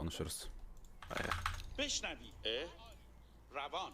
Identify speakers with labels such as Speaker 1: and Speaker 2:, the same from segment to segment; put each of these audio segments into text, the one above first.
Speaker 1: konuşuruz.
Speaker 2: Aynen.
Speaker 3: بشنوی روان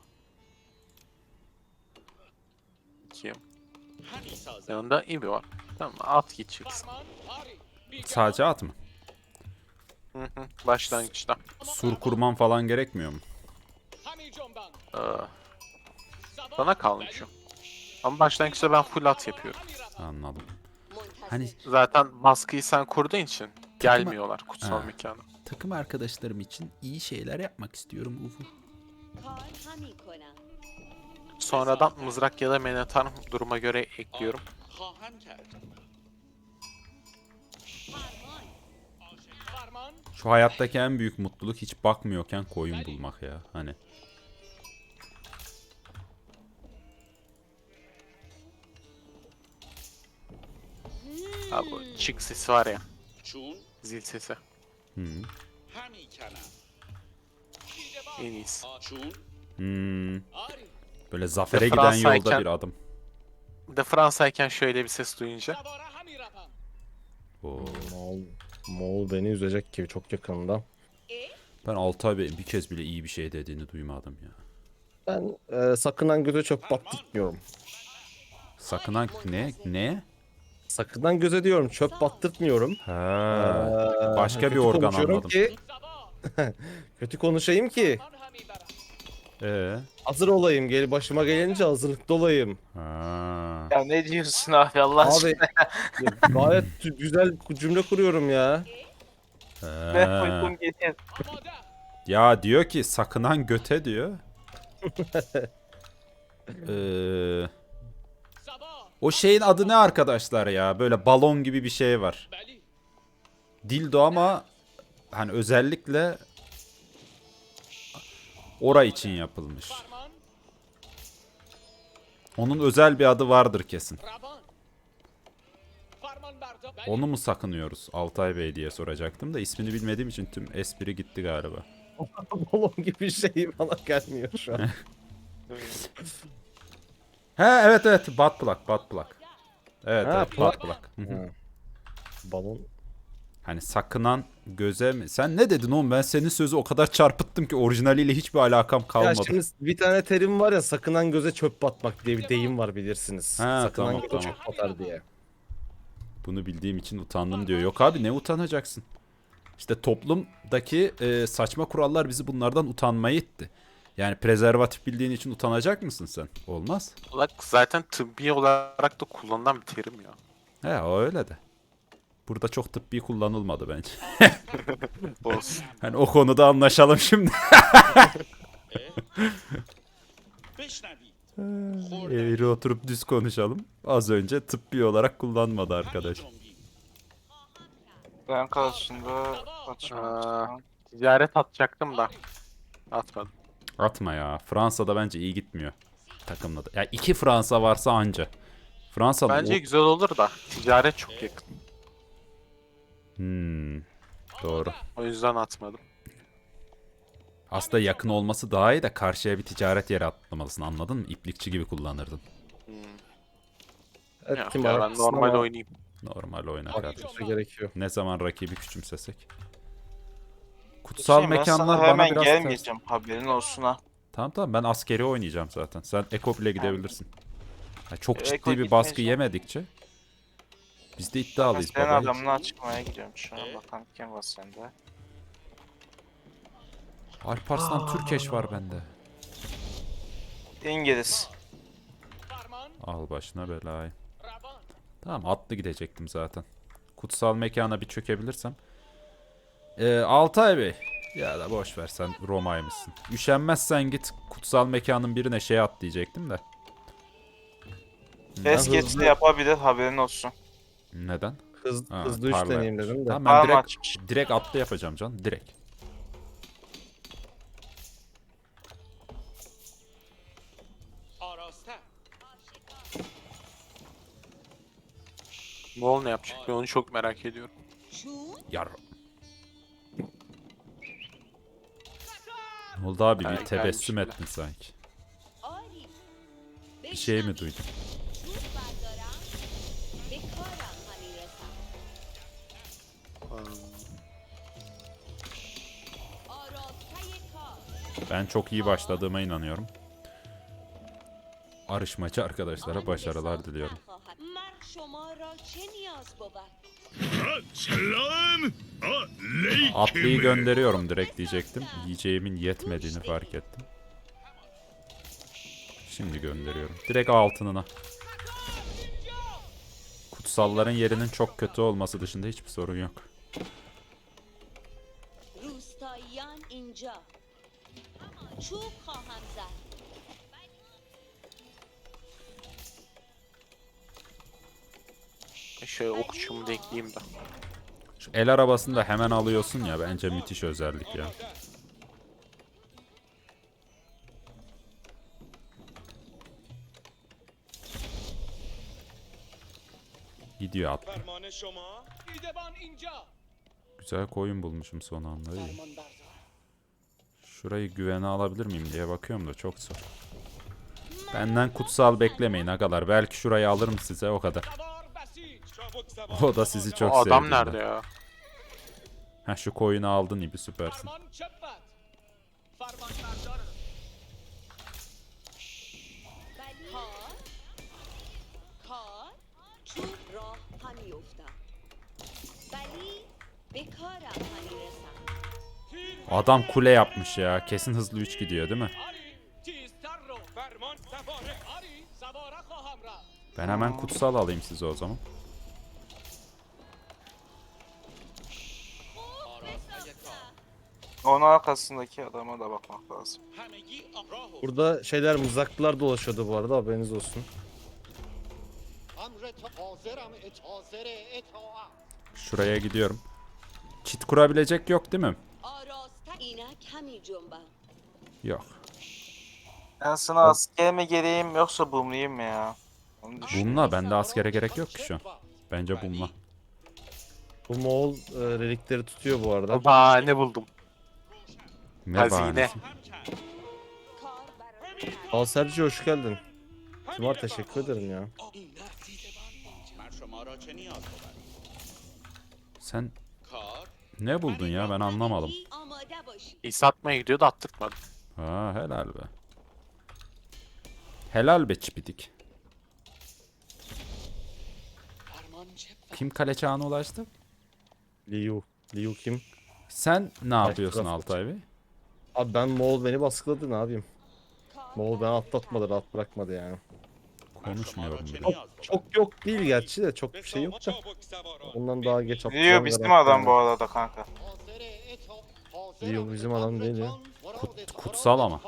Speaker 2: Kim?
Speaker 3: همی سازد
Speaker 2: Yanında İbi var. Tamam, at git çıksın.
Speaker 1: Sadece at mı?
Speaker 2: Hı hı. Başlangıçta.
Speaker 1: Sur kurman falan gerekmiyor mu?
Speaker 2: Ee, Bana kalmış o. Ama başlangıçta ben full at yapıyorum.
Speaker 1: Anladım. Hani
Speaker 2: Zaten baskıyı sen kurduğun için gelmiyorlar kutsal
Speaker 1: Ha.
Speaker 2: mekana.
Speaker 1: takım arkadaşlarım için iyi şeyler yapmak istiyorum Ufu.
Speaker 4: کار همی کنم.
Speaker 2: Sonradan mızrak ya da menetar duruma göre ekliyorum.
Speaker 3: خواهم کرد
Speaker 4: فرمان.
Speaker 1: Şu hayattaki en büyük mutluluk hiç bakmıyorken koyun bulmak ya. Hani
Speaker 2: Ha, bu çık sesi var ya.
Speaker 3: چون
Speaker 2: Zil sesi.
Speaker 1: hı.
Speaker 3: همی کنم
Speaker 2: En iyisi.
Speaker 3: چون
Speaker 1: Böyle zafere
Speaker 2: De
Speaker 1: giden yolda
Speaker 2: Fransa'yken-
Speaker 1: bir adım.
Speaker 2: Bir de Fransa'yken şöyle bir ses duyunca.
Speaker 1: Oo.
Speaker 5: Moğol beni üzecek gibi çok yakında.
Speaker 1: Ben Altay Bey'in bir kez bile iyi bir şey dediğini duymadım ya.
Speaker 5: Ben sakınan göze çöp battırtmıyorum.
Speaker 1: Sakınan ne?
Speaker 5: Sakınan göze diyorum çöp battırtmıyorum.
Speaker 1: Ha. Başka bir
Speaker 5: Kötü
Speaker 1: organ
Speaker 5: konuşuyorum
Speaker 1: anladım.
Speaker 5: Ki, kötü konuşayım ki hazır olayım. Başıma gelince hazırlıklı olayım.
Speaker 1: Ha.
Speaker 2: Ya ne diyorsun abi Allah
Speaker 5: Abi gayet güzel cümle kuruyorum ya.
Speaker 1: Ha. Ya diyor ki sakınan göte diyor. O şeyin adı ne arkadaşlar ya? Böyle balon gibi bir şey var. Dildo ama hani özellikle ora için yapılmış. Onun özel bir adı vardır kesin. Onu mu sakınıyoruz Altay Bey diye soracaktım da ismini bilmediğim için tüm espri gitti galiba.
Speaker 5: Balon gibi şey bana gelmiyor şu an.
Speaker 1: He evet butt plug. Evet,
Speaker 5: Ha,
Speaker 1: evet butt plug. Hı hı.
Speaker 5: Ha. Balon.
Speaker 1: Hani sakınan göze mi? Sen ne dedin oğlum? Ben senin sözü o kadar çarpıttım ki orijinaliyle hiçbir alakam
Speaker 5: Ya
Speaker 1: kalmadı.
Speaker 5: şimdi bir tane terim var ya sakınan göze çöp batmak diye bir deyim var bilirsiniz.
Speaker 1: Ha,
Speaker 5: Sakınan
Speaker 1: tamam,
Speaker 5: göze
Speaker 1: tamam.
Speaker 5: çöp batar diye.
Speaker 1: Bunu bildiğim için utandım diyor. Yok abi ne utanacaksın? İşte toplumdaki saçma kurallar bizi bunlardan utanmaya itti. Yani prezervatif bildiğin için utanacak mısın sen? Olmaz.
Speaker 2: Bak zaten tıbbi olarak da kullanılan bir terim ya.
Speaker 1: He o öyle de. Burada çok tıbbi kullanılmadı bence.
Speaker 2: Olsun.
Speaker 1: Hani o konuda anlaşalım şimdi.
Speaker 3: بشنوید
Speaker 1: Eğri oturup düz konuşalım. Az önce tıbbi olarak kullanmadı arkadaş.
Speaker 3: جنبید
Speaker 6: Ben karşısında
Speaker 2: Aa,
Speaker 6: açmadım.
Speaker 2: ticaret atacaktım da. Atmadım.
Speaker 1: Atma ya. Fransa'da bence iyi gitmiyor. Takımla da. Ya iki Fransa varsa anca. Fransa'nın
Speaker 2: Bence güzel olur da ticaret çok yakın.
Speaker 1: Doğru.
Speaker 2: O yüzden atmadım.
Speaker 1: Aslında yakın olması daha iyi de karşıya bir ticaret yeri atlamalısın anladın mı? İplikçi gibi kullanırdın.
Speaker 5: Evet,
Speaker 2: Ya,
Speaker 5: kim
Speaker 2: ya ben
Speaker 5: haklısın
Speaker 2: normal
Speaker 5: ama
Speaker 2: oynayayım.
Speaker 1: Normal oyna kardeşim.
Speaker 5: haklısın gerekiyor.
Speaker 1: Ne zaman rakibi küçümsesek. Kutsal
Speaker 6: Ben
Speaker 1: mekanlar
Speaker 6: sana
Speaker 1: bana
Speaker 6: hemen
Speaker 1: biraz ters.
Speaker 6: gelmeyeceğim haberin olsun ha.
Speaker 1: Tamam ben askeri oynayacağım zaten. Sen Eko bile gidebilirsin. Ya çok
Speaker 6: Eko
Speaker 1: ciddi bir baskı
Speaker 6: gitmeyeceğim.
Speaker 1: yemedikçe biz de
Speaker 6: Ben
Speaker 1: iddialıyız
Speaker 6: senin
Speaker 1: baba.
Speaker 6: adamına çıkmaya gidiyorum şu an. Bakalım kim var sende.
Speaker 1: Alparslan Türkeş var bende.
Speaker 6: İngiliz.
Speaker 1: Al başına belayı. Tamam atlı gidecektim zaten. Kutsal mekana bir çökebilirsem. Altay Bey. Ya da boş ver sen Roma'ymışsın. Üşenmezsen git kutsal mekanın birine şey at diyecektim de.
Speaker 6: Es
Speaker 5: hızlı-
Speaker 6: geçti yapabilir haberin olsun.
Speaker 1: Neden? Ha,
Speaker 5: Hızlı üç
Speaker 1: parla
Speaker 5: deneyeyim
Speaker 1: yapmış.
Speaker 5: dedim de.
Speaker 1: Tamam ben
Speaker 6: Parma
Speaker 1: direkt,
Speaker 6: açmış.
Speaker 1: direkt atlı yapacağım can. Direkt.
Speaker 3: آراسته
Speaker 2: Moğol ne yapacak? Ben onu çok merak ediyorum.
Speaker 1: Yar. Ne oldu abi
Speaker 2: Ha,
Speaker 1: bir tebessüm
Speaker 2: gelmiş
Speaker 1: ettin sanki.
Speaker 4: آری.
Speaker 1: Bir şey mi duydun?
Speaker 4: چوب بردارم به کارم همی رسم.
Speaker 1: Ben çok iyi başladığıma inanıyorum. Arışmacı arkadaşlara başarılar diliyorum.
Speaker 4: مرد شما را چه نیاز بود؟
Speaker 7: سلام
Speaker 1: Atlıyı gönderiyorum direkt diyecektim. Yiyeceğimin yetmediğini fark ettim. Şimdi gönderiyorum. Direkt altınına. Kutsalların yerinin çok kötü olması dışında hiçbir sorun yok.
Speaker 4: روستاییان اینجا چوب خواهم زد.
Speaker 2: Şöyle okçumu da ekleyeyim de.
Speaker 1: Şu el arabasını da hemen alıyorsun ya, bence müthiş özellik ya. Gidiyor at.
Speaker 7: فرمان شما
Speaker 3: دیدبان اینجا.
Speaker 1: Güzel koyun bulmuşum son anda. İyi. Şurayı güvene alabilir miyim diye bakıyorum da çok zor. Benden kutsal beklemeyin agalar. Belki şurayı alırım size, o kadar.
Speaker 3: سوار بسیج.
Speaker 7: چابک سوار
Speaker 1: O da sizi çok
Speaker 2: O
Speaker 1: sevdi.
Speaker 2: adam nerede ya?
Speaker 1: Ha, şu koyunu aldın İbi, süpersin.
Speaker 3: فرمان چپت. فرمان بردارم.
Speaker 4: کار کار چوب راه همی افتم ولی به کارم همی رسم.
Speaker 1: Adam kule yapmış ya. Kesin hızlı 3 gidiyor değil mi?
Speaker 3: آری تیزتر رو.
Speaker 7: فرمان سواره
Speaker 3: آری سواره خواهم رفت.
Speaker 1: Ben hemen kutsal alayım size o zaman.
Speaker 6: Onun arkasındaki adama da bakmak lazım.
Speaker 3: همگی راه و
Speaker 5: Burada şeyler, mızraklılar dolaşıyordu bu arada, haberiniz olsun.
Speaker 1: Şuraya gidiyorum. Çit kurabilecek yok değil mi?
Speaker 4: آراسته اینک همی جنبم.
Speaker 1: Yok.
Speaker 6: Ben sana asker mi geleyim yoksa boomlayayım mı ya? Onu düşün.
Speaker 1: Bununla bende askere gerek yok ki şu an. Bence bununla.
Speaker 5: Bu Moğol relikleri tutuyor bu arada.
Speaker 2: Aa ne buldum.
Speaker 1: Ne
Speaker 2: Hazine.
Speaker 1: bahanesi?
Speaker 4: کار برای
Speaker 5: Al Sergio, hoş geldin. Timar, teşekkür ederim ya.
Speaker 3: من شما را چه نیاز بود؟
Speaker 1: Sen
Speaker 3: کار
Speaker 1: ne buldun ya, ben anlamadım.
Speaker 4: همگی آماده باشید.
Speaker 2: İyi satmaya gidiyor da attırtmadı.
Speaker 1: Ha, helal be. Helal be çipidik.
Speaker 3: فرمان چپت.
Speaker 1: Kim kale çağına ulaştı?
Speaker 5: Liu. Liu kim?
Speaker 1: Sen ne yapıyorsun
Speaker 5: Craft.
Speaker 1: Altay Bey?
Speaker 5: Abi ben, Moğol beni baskıladı, ne yapayım? Moğol beni atlatmadı, rahat bırakmadı yani.
Speaker 1: Konuşmuyorum bile.
Speaker 5: Çok yok değil gerçi de, çok bir şey yok da.
Speaker 7: چابک سواران
Speaker 5: Ondan daha geç atacağım.
Speaker 6: Diyor bizim adam bu arada kanka.
Speaker 5: Liu bizim adam değil ya.
Speaker 1: Kutsal ama.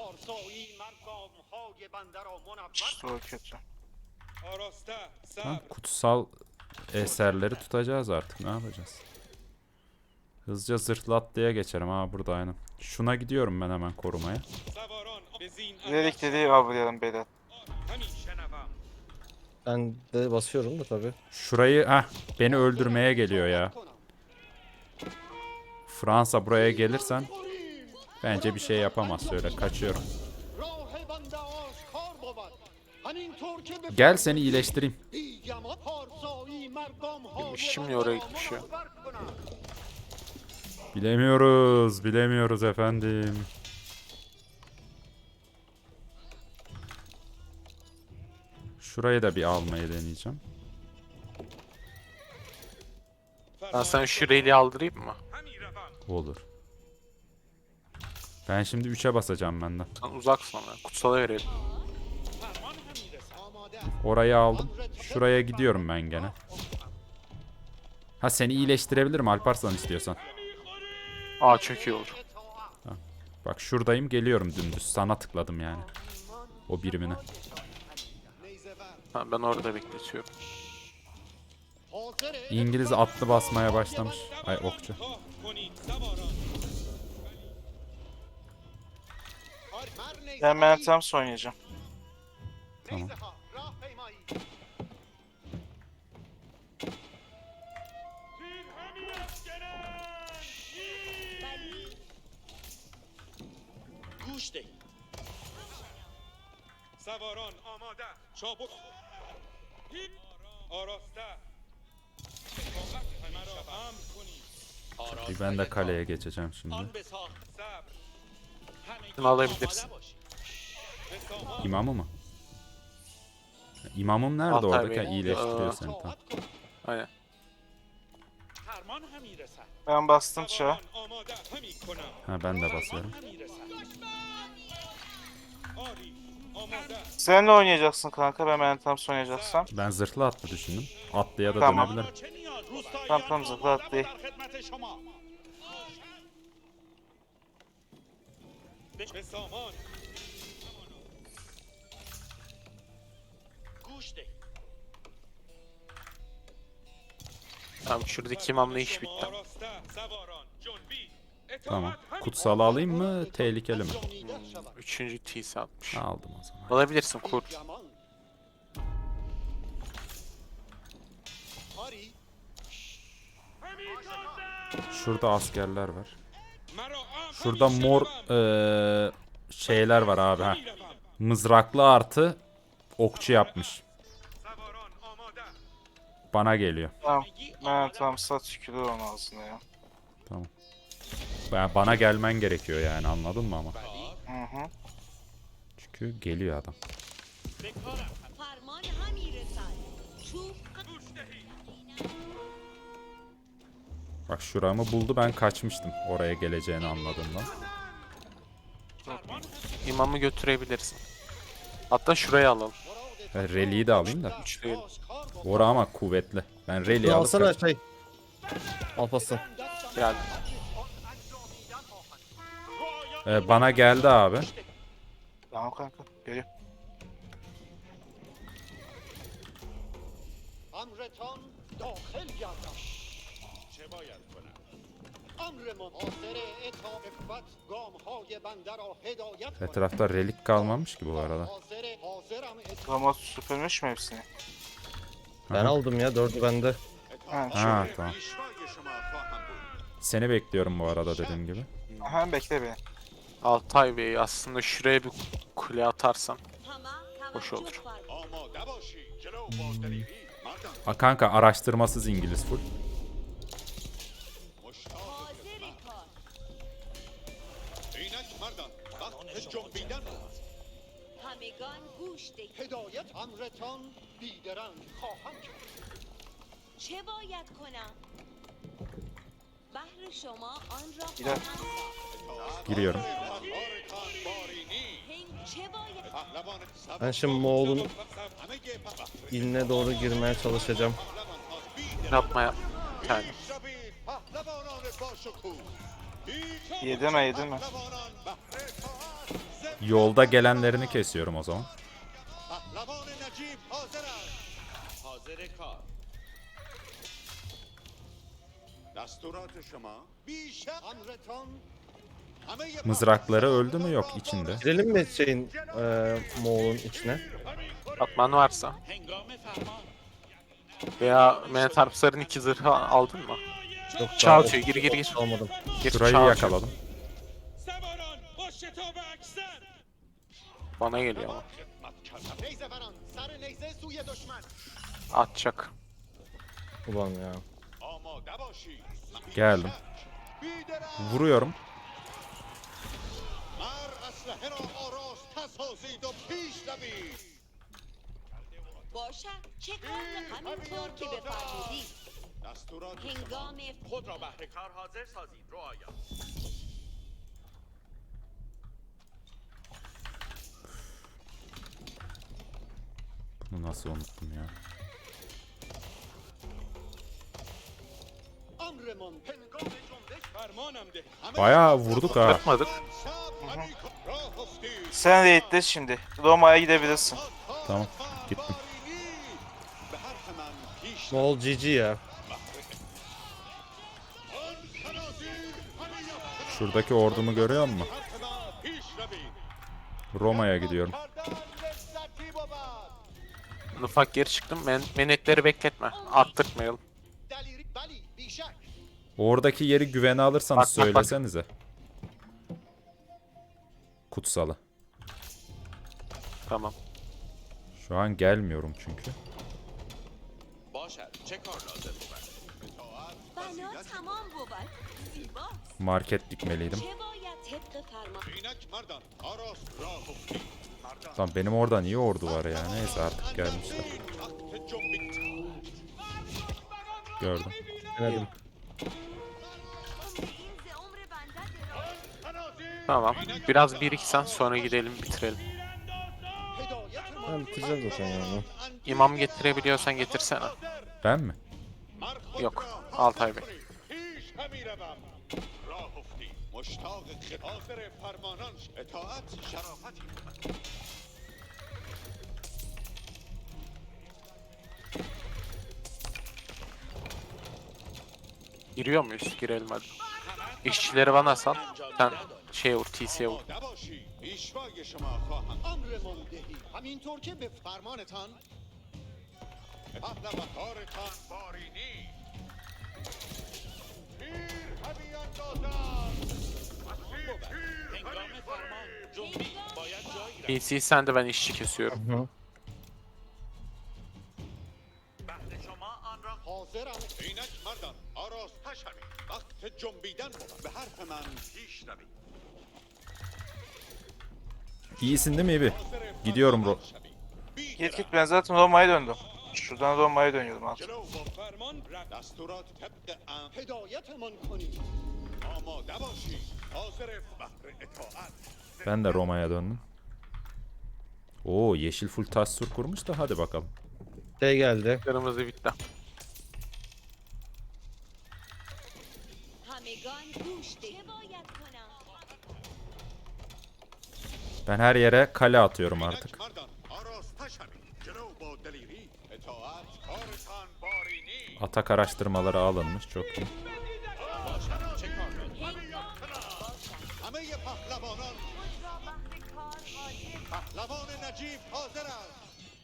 Speaker 6: İşte o kötü.
Speaker 7: آراسته
Speaker 1: Tamam,
Speaker 7: صبر
Speaker 1: kutsal eserleri tutacağız artık, ne yapacağız? Hızlıca zırhlı atlıya geçerim, ha burada aynen. Şuna gidiyorum ben hemen korumaya.
Speaker 7: سواران به زین
Speaker 6: Dedik dediği avlayalım beyler.
Speaker 7: همین شنوم
Speaker 5: Ben de basıyorum da tabii.
Speaker 1: Şurayı, beni öldürmeye geliyor ya. Fransa, buraya gelirsen bence bir şey yapamaz, şöyle kaçıyorum. Gel seni iyileştireyim.
Speaker 2: Şimdi oraya gitmiş ya.
Speaker 1: Bilemiyoruz efendim. Şurayı da bir almayı deneyeceğim.
Speaker 2: Ben sana şu reli aldırayım mı?
Speaker 7: همین روم
Speaker 1: Olur. Ben şimdi 3'e basacağım benden.
Speaker 2: Sen uzaksın ama. Kutsala verelim.
Speaker 3: فرمان همی رسم.
Speaker 1: Orayı aldım. Şuraya gidiyorum ben gene. Ha, seni iyileştirebilirim Alparslan istiyorsan.
Speaker 2: Aa çok iyi olur.
Speaker 1: Bak şuradayım, geliyorum dümdüz. Sana tıkladım yani. O birimine.
Speaker 2: Ha, ben orada bekletiyorum.
Speaker 1: İngiliz atlı basmaya başlamış. Ay, okçu.
Speaker 7: خواه کنید سواران
Speaker 6: Ben Meltem's oynayacağım.
Speaker 1: Tamam.
Speaker 7: تیر همین افکنند
Speaker 4: ولی
Speaker 3: گوش دهید.
Speaker 7: سواران آماده چابک تیر آراسته اطاعت مرا امر کنید
Speaker 1: Bir ben de kaleye geçeceğim şimdi.
Speaker 3: آن بساخت.
Speaker 7: صبر
Speaker 2: Şunu alabilirsin.
Speaker 1: İmamı mı? İmamım nerede
Speaker 2: Altay
Speaker 1: orada?
Speaker 2: Bey.
Speaker 1: Ha, iyileştiriyor seni. Tamam.
Speaker 2: Aynen.
Speaker 3: فرمان همی رسد
Speaker 6: Ben bastım çağa.
Speaker 7: سواران آماده همی کنم
Speaker 1: Ha, ben de basıyorum.
Speaker 3: همی رسد
Speaker 7: آری آماده
Speaker 6: Sen ne oynayacaksın kanka? Ben Mentamps oynayacaksam.
Speaker 1: Ben zırhlı atlı düşündüm. Atlıya da
Speaker 6: Tamam.
Speaker 1: dönebilirim.
Speaker 3: چه نیاز
Speaker 6: Tamam tamam zıpla atlayı.
Speaker 3: در خدمت شما
Speaker 7: به سامان
Speaker 3: گوش ده
Speaker 2: Tamam şuradaki imamla iş bitti.
Speaker 7: آراسته سواران جنبی
Speaker 1: Tamam.
Speaker 7: اطاعت همی
Speaker 1: Kutsalı alayım mı? Tehlikeli mi?
Speaker 2: Üçüncü TC atmış.
Speaker 1: Aldım o zaman.
Speaker 2: Alabilirsin kur.
Speaker 1: Şurada askerler var.
Speaker 7: مرا آم
Speaker 1: Şurada
Speaker 7: همی
Speaker 1: mor
Speaker 7: شنوم.
Speaker 1: şeyler var abi. Ha.
Speaker 7: همی روم.
Speaker 1: Mızraklı artı okçu yapmış.
Speaker 7: سواران آماده
Speaker 1: Bana geliyor.
Speaker 6: Tamam. Mentamps'a tükürür onun ağzına ya.
Speaker 1: Tamam. Bana gelmen gerekiyor yani, anladın mı ama?
Speaker 6: Hı hı.
Speaker 1: Çünkü geliyor adam.
Speaker 4: فرمان همی رسد چوب
Speaker 7: گوش دهید
Speaker 1: Bak şuramı buldu, ben kaçmıştım oraya geleceğini anladığımdan.
Speaker 2: İmamı götürebilirsin. Hatta şuraya alalım.
Speaker 1: Ben Reli'yi de alayım da.
Speaker 2: Üçlüyü.
Speaker 1: Bora ama kuvvetli. Ben Reli'yi
Speaker 5: Bunu
Speaker 1: alıp
Speaker 5: alsana şey. Alparslan.
Speaker 2: Geldi.
Speaker 1: Bana geldi abi.
Speaker 6: Tamam kanka. Geliyor.
Speaker 3: امرتان داخل گردد چه باید کنم امرمان حاضر اطاعت گام های بنده را هدایت کند
Speaker 1: Etrafta relik kalmamış ki bu arada.
Speaker 3: حاضرم
Speaker 6: Rama süpürmüş mü hepsini?
Speaker 5: Ben aldım ya 4'ü bende.
Speaker 6: Ha,
Speaker 1: Ha tamam.
Speaker 3: پیشوای شما خواهم بود
Speaker 1: Seni bekliyorum bu arada dediğim gibi.
Speaker 6: Aha bekle beni.
Speaker 2: Altay Bey aslında şuraya bir kule atarsam
Speaker 4: همه
Speaker 2: hoş
Speaker 4: توجه
Speaker 2: olur.
Speaker 4: فرمایید.
Speaker 3: آماده باشید جلو با دلیری مردم
Speaker 1: Ha kanka, araştırmasız İngiliz full.
Speaker 3: مشتاق
Speaker 4: حاضر کار
Speaker 3: اینک مردم وقت جنبیدن است
Speaker 4: همگان گوش دهید
Speaker 3: هدایت امرتان بیدرنگ خواهم کرد
Speaker 4: چه باید کنم بهر شما آن را
Speaker 6: Gider.
Speaker 4: خواهم ساخت
Speaker 1: Giriyorum.
Speaker 3: بارتان بارینی
Speaker 4: هنگ چه باید
Speaker 3: پهلوان
Speaker 5: Ben şimdi Moğol'un
Speaker 3: همه پهلوان
Speaker 5: iline doğru girmeye çalışacağım.
Speaker 3: ها
Speaker 2: Yapma yap. Bir tane.
Speaker 3: شوید پهلوانان باشکوه
Speaker 6: Yedi mi yedi mi?
Speaker 3: پهلوانان بهر اطاعت
Speaker 1: Yolda gelenlerini kesiyorum o zaman.
Speaker 3: پهلوان نجیب حاضر است حاضر کار دستورات شما بیش امرتان همه
Speaker 1: Mızrakları öldü mü? Yok, içinde.
Speaker 5: Girelim mi şeyin Moğol'un içine?
Speaker 2: Atman varsa.
Speaker 3: هنگام فرمان
Speaker 2: Veya Mentarpsar'ın 2 zırhı aldın mı?
Speaker 5: Yok
Speaker 2: Çağ
Speaker 5: daha
Speaker 2: atıyor. Gir gir gir.
Speaker 5: almadım.
Speaker 2: Gir
Speaker 1: Şurayı
Speaker 2: çağ atıyor.
Speaker 1: yakaladım.
Speaker 7: سواران با شتاب اکثر
Speaker 2: Bana geliyor ama.
Speaker 3: خدمت کردم نیزه بران سر نیزه سوی دشمن
Speaker 2: Atacak.
Speaker 5: Ulan ya.
Speaker 3: آماده باشید
Speaker 1: Geldim.
Speaker 3: بیدرنگ
Speaker 1: Vuruyorum.
Speaker 3: مر اسلحه را آراسته سازید و پیش روید
Speaker 4: باشد چه کار همینطور که بفرمودید
Speaker 3: دستورات
Speaker 4: هنگام
Speaker 3: خود را بهر کار حاضر سازید رعایا
Speaker 1: Bunu nasıl unuttum ya?
Speaker 3: امرمان هنگام جنبش
Speaker 7: فرمانم ده
Speaker 1: Bayağı vurduk ha.
Speaker 2: Atmadık.
Speaker 3: شب همی کن راه افتید
Speaker 6: Sen raid'de şimdi. Roma'ya gidebilirsin.
Speaker 1: Tamam, gittim.
Speaker 3: به حرف من پیش
Speaker 5: Moğol GG ya.
Speaker 1: Şuradaki ordumu görüyor musun?
Speaker 3: حرف من پیش روید
Speaker 1: Roma'ya gidiyorum.
Speaker 3: کردن لذتی بود
Speaker 2: Ufak geri çıktım. Menetleri bekletme. Attırtmayalım.
Speaker 3: دلیری بلی بیشک
Speaker 1: Oradaki yeri güvene alırsanız
Speaker 2: Bak, bak, bak.
Speaker 1: söylesenize. Kutsalı.
Speaker 2: Tamam.
Speaker 1: Şu an gelmiyorum çünkü.
Speaker 3: باشد چه کار لازم بود
Speaker 4: بنا تمام بود زیباست
Speaker 1: Market dikmeliydim.
Speaker 4: چه باید طبق فرمان
Speaker 3: اینک مردان آراس راه افتی مردان
Speaker 1: Lan benim orada niye ordu var ya? Neyse artık gelmişler.
Speaker 3: وقت جنبید
Speaker 1: Gördüm.
Speaker 5: Denedim.
Speaker 2: Tamam. Biraz biriksen sonra gidelim bitirelim.
Speaker 3: هدایت
Speaker 5: Ben bitireceğim zaten yani.
Speaker 2: İmam getirebiliyorsan getirsene.
Speaker 1: Ben mi?
Speaker 2: Yok. Altay Bey.
Speaker 3: پیش همی روم راه افتی مشتاق حاضر فرمانان اطاعت شرافتی بود.
Speaker 2: Giriyor muyuz? Girelim hadi. İşçileri bana sal. Sen şey vur, TC'ye vur.
Speaker 3: آماده باشی پیشوای شما خواهم امرمان دهی همینطور که به فرمانتان پهلوانکارتان بارینی تیر همی اندازد هنگام فرمان جنبی باید جایی
Speaker 2: TC sen de ben işçi kesiyorum.
Speaker 5: Hı.
Speaker 3: حاضرم اینک مردان آراستش همی وقت جنبیدن بود به حرف من پیش روی
Speaker 1: İyisin değil mi İbi? Gidiyorum bro.
Speaker 6: Git git, ben zaten Roma'ya döndüm. Şuradan Roma'ya dönüyordum artık.
Speaker 3: جلو با فرمان دستورات طبق هدایتمان کنید آماده باشید حاضر بهر اطاعت
Speaker 1: Ben de Roma'ya döndüm. Oo yeşil full tassur kurmuş da hadi bakalım.
Speaker 5: Şey geldi.
Speaker 2: Kırmızı bitti.
Speaker 4: همگان گوش دهید چه باید کنم
Speaker 1: Ben her yere kale atıyorum artık.
Speaker 3: اینک مردان آراستش همی جلو با دلیری اطاعت کارتان بارینی
Speaker 1: Atak araştırmaları alınmış çok iyi.
Speaker 3: همه پهلوانان پهلوان نجیب حاضر است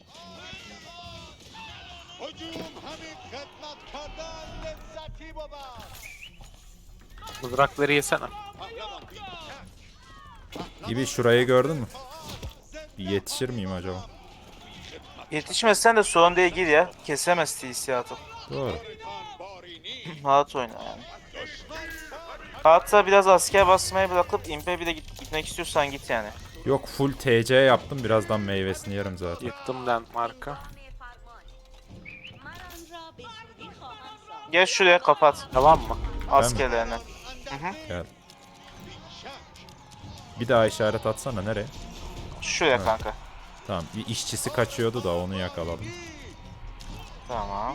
Speaker 3: هجوم همین خدمت کردن لذتی بود
Speaker 2: Mızrakları yesene.
Speaker 3: پهلوان بی
Speaker 1: İbi şurayı gördün mü? Bir yetişir miyim acaba?
Speaker 6: Yetişmezsen de sorun değil, gir ya. Kesemez TC atıp.
Speaker 1: Doğru.
Speaker 3: کارتان بارینی
Speaker 6: Rahat oyna yani. Hatta biraz asker basmayı bırakıp impe bir de gitmek istiyorsan git yani.
Speaker 1: Yok full TC yaptım. Birazdan meyvesini yerim zaten.
Speaker 2: Yıktım landmark'ı.
Speaker 4: من آن را به زودی خواهم ساخت
Speaker 6: Gel şuraya kapat
Speaker 2: Tamam mı?
Speaker 6: askerlerini.
Speaker 1: Gel. Bir daha işaret atsana nereye?
Speaker 6: Şuraya kanka.
Speaker 1: Tamam bir işçisi kaçıyordu da onu yakaladım.
Speaker 6: Tamam.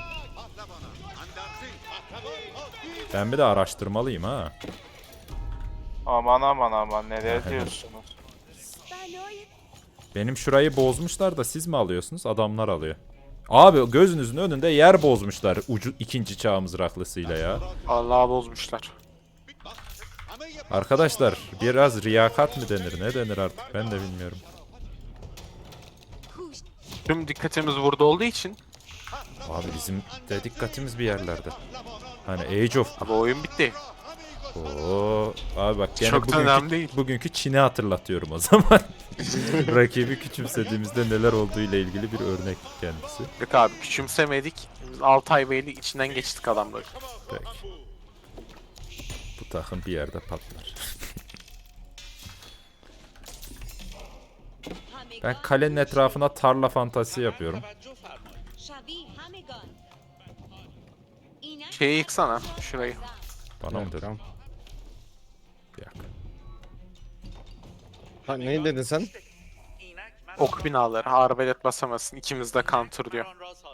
Speaker 1: Ben bir de araştırmalıyım ha.
Speaker 6: Aman aman aman, neler diyorsunuz?
Speaker 4: بنای
Speaker 1: Benim şurayı bozmuşlar da siz mi alıyorsunuz? Adamlar alıyor. Abi gözünüzün önünde yer bozmuşlar ucu ikinci çağ mızraklısıyla ya.
Speaker 2: Allah'a bozmuşlar.
Speaker 1: Arkadaşlar biraz riyakat mı denir ne denir artık ben de bilmiyorum.
Speaker 4: کوش
Speaker 2: Tüm dikkatimiz burada olduğu için
Speaker 1: Abi bizim de dikkatimiz bir yerlerde. Hani Age of.
Speaker 2: abi oyun bitti.
Speaker 1: Oo, abi bak gene
Speaker 2: Çok da önemli değil.
Speaker 1: bugünkü Çin'i hatırlatıyorum o zaman. Rakibi küçümsediğimizde neler olduğu ile ilgili bir örnek kendisi.
Speaker 2: Yok abi küçümsemedik. Biz Altay Bey'le içinden geçtik adamları.
Speaker 1: Peki. Bu takım bir yerde patlar. Ben
Speaker 4: همگان
Speaker 1: kalenin etrafına tarla fantazisi yapıyorum.
Speaker 4: شوی همگان اینک
Speaker 2: Şeyi yıksana şurayı.
Speaker 1: Bana mı dedin?
Speaker 5: Tamam.
Speaker 1: Bir dakika.
Speaker 5: Ha, ne dedin sen?
Speaker 2: Ok binaları. Arbelet basamasın. İkimiz de counter diyor.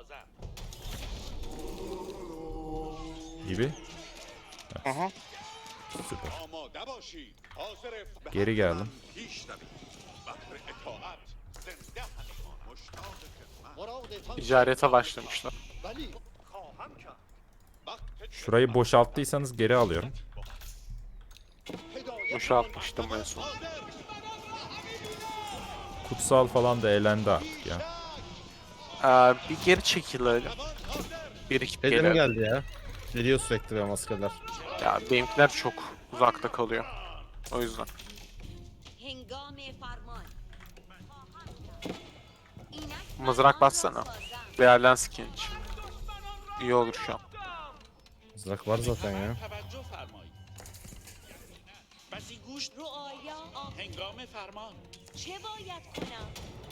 Speaker 1: Gibi.
Speaker 6: Hı hı.
Speaker 1: Süper.
Speaker 3: آماده باشید حاضر به
Speaker 1: Geri geldim.
Speaker 3: پیش روید بهر اطاعت زنده همی مشتاق خدمت
Speaker 2: Ticarete başlamışlar.
Speaker 3: ولی خواهم کرد وقت
Speaker 1: Şurayı boşalttıysanız geri alıyorum.
Speaker 3: هدایت
Speaker 2: Boşaltmıştım en son.
Speaker 1: Kutsal falan da elendi artık ya.
Speaker 2: Bir geri çekilelim. Bir ekip
Speaker 5: Şeyde mi
Speaker 2: geliyor.
Speaker 5: geldi ya? Geliyor sürekli benim askerler.
Speaker 2: Ya benimkiler çok uzakta kalıyor. O yüzden.
Speaker 4: هنگام فرمان اینک
Speaker 2: Mızrak bassana.
Speaker 4: سازم
Speaker 2: Değerlen skin için. İyi olur şu an.
Speaker 5: Mızrak var zaten ya.
Speaker 4: رعایا
Speaker 7: هنگام فرمان
Speaker 4: چه باید کنم؟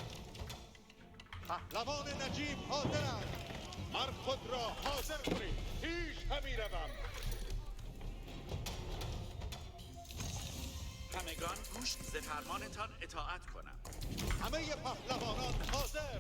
Speaker 3: پهلوان نجیب حاضرند مر خود را حاضر کنید پیش همی روم
Speaker 7: همگان گوش ز فرمانتان اطاعت کنم.
Speaker 3: همه پهلوانان حاضر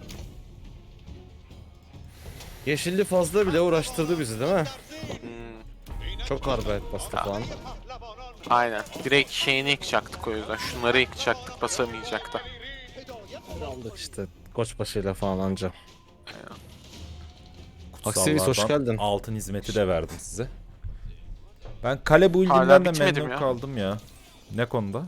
Speaker 5: Yeşilli fazla bile uğraştırdı bizi değil mi?
Speaker 2: Hmm,
Speaker 5: Çok arbet bastı falan.
Speaker 3: پهلوانان
Speaker 2: aynen. Direkt şeyini yıkacaktık o yüzden. Şunları yıkacaktık, basamayacaktı.
Speaker 3: هدایت
Speaker 5: Aldık işte koçbaşıyla falan anca.
Speaker 1: Kutsallardan
Speaker 5: Aksiyiz, hoş geldin.
Speaker 1: altın hizmeti de verdim size. Ben kale build'inden
Speaker 2: Hala
Speaker 1: de
Speaker 2: bitmedi
Speaker 1: memnun
Speaker 2: mi ya?
Speaker 1: kaldım ya. Ne konuda?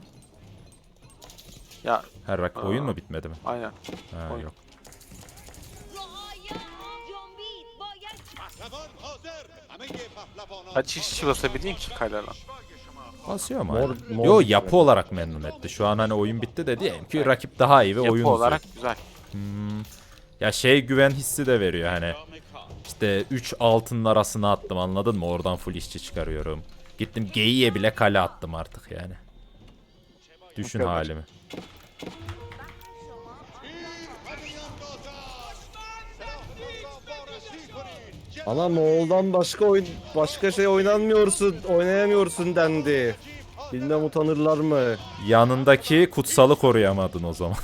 Speaker 2: Ya
Speaker 1: Her oyun mu bitmedi mi?
Speaker 2: aynen.
Speaker 1: Ha,
Speaker 2: oyun.
Speaker 1: yok.
Speaker 4: رعایا جنبید باید
Speaker 3: پهلوان حاضر همه پهلوانان
Speaker 2: Kaç işçi basabildin ki kale lan?
Speaker 1: Basıyor mu?
Speaker 5: Mor-
Speaker 1: hala?
Speaker 5: mor
Speaker 1: Yo,
Speaker 5: bitmedi.
Speaker 1: yapı olarak memnun etti. Şu an hani oyun bitti de diyelim ki rakip daha iyi ve
Speaker 2: Yapı
Speaker 1: oyun
Speaker 2: olarak
Speaker 1: uzuyor.
Speaker 2: güzel.
Speaker 1: Ya şey güven hissi de veriyor hani. İşte 3 altının arasına attım, anladın mı? Oradan full işçi çıkarıyorum. Gittim geyiğe bile kale attım artık yani. Düşün
Speaker 2: kadar.
Speaker 1: halimi.
Speaker 5: Ana Moğol'dan başka şey oynayamıyorsun dendi. Bilmem utanırlar mı?
Speaker 1: Yanındaki kutsalı koruyamadın o zaman.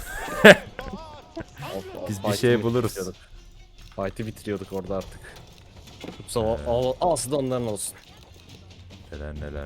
Speaker 1: Biz bir
Speaker 5: Fight'i
Speaker 1: şey buluruz.
Speaker 5: bitiriyorduk. Fight'i bitiriyorduk orada artık. Kutsal aslı onların olsun.
Speaker 1: Neler neler.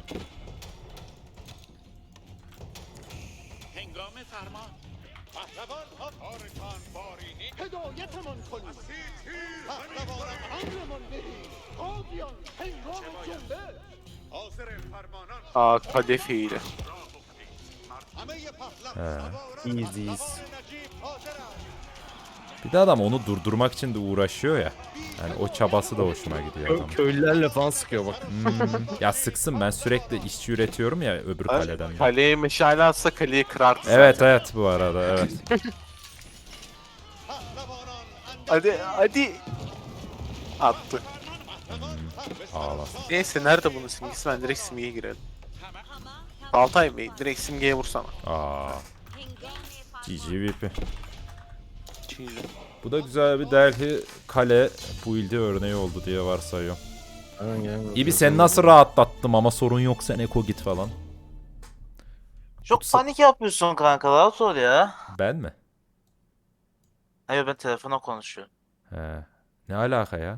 Speaker 7: هنگام فرمان
Speaker 3: پهلوان کارتان بارینی هدایتمان کنید پهلوانان امرمان دهید قاضیان هنگام جنبه حاضر فرمانان
Speaker 2: Aa kale fiili.
Speaker 3: همه پهلوانان
Speaker 5: Easy's.
Speaker 3: نجیب حاضرند
Speaker 1: Bir de adam onu durdurmak için de uğraşıyor ya. Yani o çabası da hoşuma gidiyor adam.
Speaker 5: Köylülerle falan sıkıyor bak.
Speaker 1: Ya sıksın, ben sürekli işçi üretiyorum ya öbür kaleden. de.
Speaker 2: Kaleye meşale atsa kaleyi kırardı.
Speaker 1: Evet evet, bu arada evet.
Speaker 3: پهلوانان
Speaker 2: Hadi. Attı.
Speaker 1: Ağlasın.
Speaker 2: Neyse nerede bunun simgesi? Ben direkt simgeye girelim. Altay Bey direkt simgeye vursana.
Speaker 1: Aa,
Speaker 4: هنگام
Speaker 1: GG VP.
Speaker 2: Çiğli.
Speaker 1: Bu da güzel bir Delhi kale build'i örneği oldu diye varsayıyorum. İbi sen nasıl rahatlattım ama sorun yok, sen eko git falan.
Speaker 6: Çok panik yapıyorsun kanka, rahat ol ya.
Speaker 1: Ben mi?
Speaker 6: Hayır, ben telefona konuşuyorum.
Speaker 1: He. Ne alaka ya?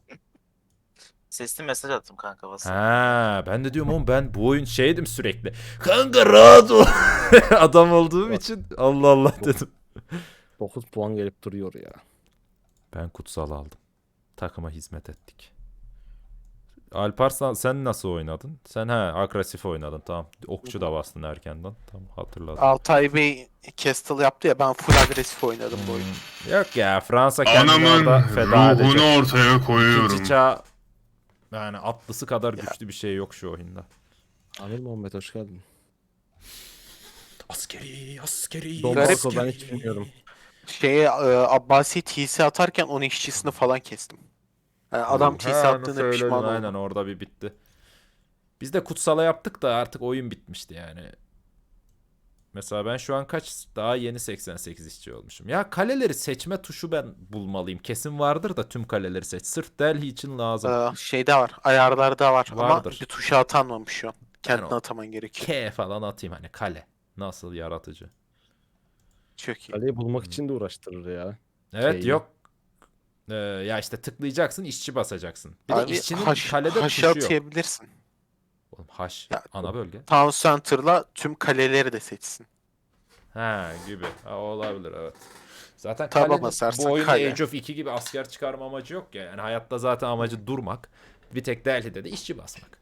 Speaker 6: Sesli mesaj attım kanka WhatsApp.
Speaker 1: Ha, ben de diyorum oğlum, ben bu oyun şeydim sürekli. Kanka rahat ol. Adam olduğum için Allah Allah dedim.
Speaker 5: 9 puan gelip duruyor ya.
Speaker 1: Ben kutsal aldım. Takıma hizmet ettik. Alparslan sen nasıl oynadın? Sen agresif oynadın, tamam. Okçu da bastın erkenden. Tamam, hatırladım.
Speaker 2: Altay Bey Castle yaptı ya, ben full agresif oynadım bu oyunu.
Speaker 1: Yok ya, Fransa kendini
Speaker 8: Anamın
Speaker 1: orada feda edecek.
Speaker 8: ruhunu ortaya koyuyorum.
Speaker 1: İkinci çağ, yani atlısı kadar güçlü bir şey yok şu oyunda.
Speaker 5: Amir Muhammed hoş geldin.
Speaker 1: Askeri.
Speaker 5: Don
Speaker 2: Garip
Speaker 5: Marco ben hiç bilmiyorum.
Speaker 2: Abbasi TC atarken onun işçisini falan kestim. Yani adam TC attığında pişman
Speaker 1: Aynen,
Speaker 2: oldu.
Speaker 1: orada bir bitti. Biz de kutsala yaptık da artık oyun bitmişti yani. Mesela ben şu an daha yeni 88 işçi olmuşum. Ya kaleleri seçme tuşu ben bulmalıyım. Kesin vardır da tüm kaleleri seç. Sırf Delhi için lazım.
Speaker 2: Şeyde var, ayarlarda var
Speaker 1: Vardır.
Speaker 2: ama bir tuşa atanmamış şu an. Kendine
Speaker 1: Yani o-
Speaker 2: ataman gerekiyor.
Speaker 1: K falan atayım hani, kale. Nasıl yaratıcı.
Speaker 2: Çok iyi.
Speaker 5: Kaleyi bulmak için de uğraştırır ya.
Speaker 1: Evet,
Speaker 5: Şeyi.
Speaker 1: yok. Ya işte tıklayacaksın, işçi basacaksın. Bir de
Speaker 2: Abi
Speaker 1: işçinin
Speaker 2: haş
Speaker 1: kalede tuşu yok.
Speaker 2: atayabilirsin.
Speaker 1: Oğlum haş
Speaker 2: Ya-
Speaker 1: ana bölge.
Speaker 2: Town Center'la tüm kaleleri de seçsin.
Speaker 1: Ha gibi. Ha, olabilir evet. Zaten
Speaker 2: Taba
Speaker 1: kalenin
Speaker 2: basarsan
Speaker 1: bu oyunda
Speaker 2: kale.
Speaker 1: Age of 2 gibi asker çıkarma amacı yok ya. Yani hayatta zaten amacı durmak. Bir tek Delhi'de de işçi basmak.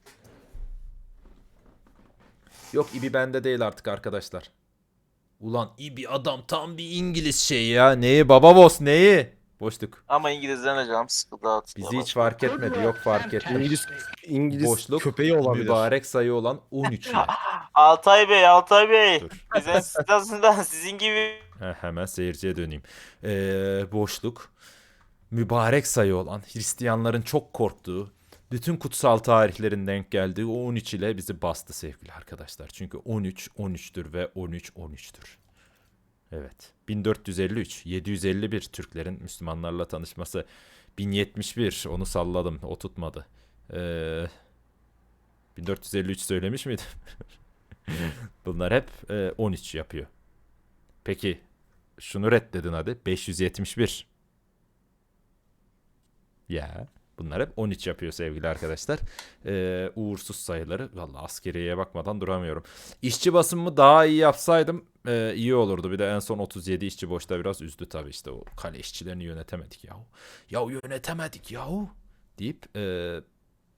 Speaker 1: Yok, İbi bende değil artık arkadaşlar. Ulan İbi adam tam bir İngiliz şeyi ya. Neyi baba boss neyi? Boşluk.
Speaker 6: Ama İngilizlerine canım sıkıldı, dağıt.
Speaker 1: Bizi hiç fark etmedi. Yok, fark etmedi.
Speaker 5: İngiliz
Speaker 1: Boşluk,
Speaker 5: köpeği olabilir.
Speaker 1: mübarek sayı olan 13 ya.
Speaker 6: Altay Bey.
Speaker 1: Dur.
Speaker 6: Bizden sitasinden sizin gibi.
Speaker 1: Hemen seyirciye döneyim. Boşluk, mübarek sayı olan, Hristiyanların çok korktuğu, Bütün kutsal tarihlerin denk geldiği o 13 ile bizi bastı sevgili arkadaşlar. Çünkü 13 13'tür ve 13 13'tür. Evet. 1453, 751 Türklerin Müslümanlarla tanışması. 1071 onu salladım, o tutmadı. 1453 söylemiş miydim? Bunlar hep 13 yapıyor. Peki şunu reddedin hadi. 571. Ya bunlar hep 13 yapıyor sevgili arkadaşlar. Uğursuz sayıları. Vallahi askeriyeye bakmadan duramıyorum. İşçi basımımı daha iyi yapsaydım iyi olurdu. Bir de en son 37 işçi boşta biraz üzdü tabii, işte o kale işçilerini yönetemedik yahu. Ya yönetemedik yahu deyip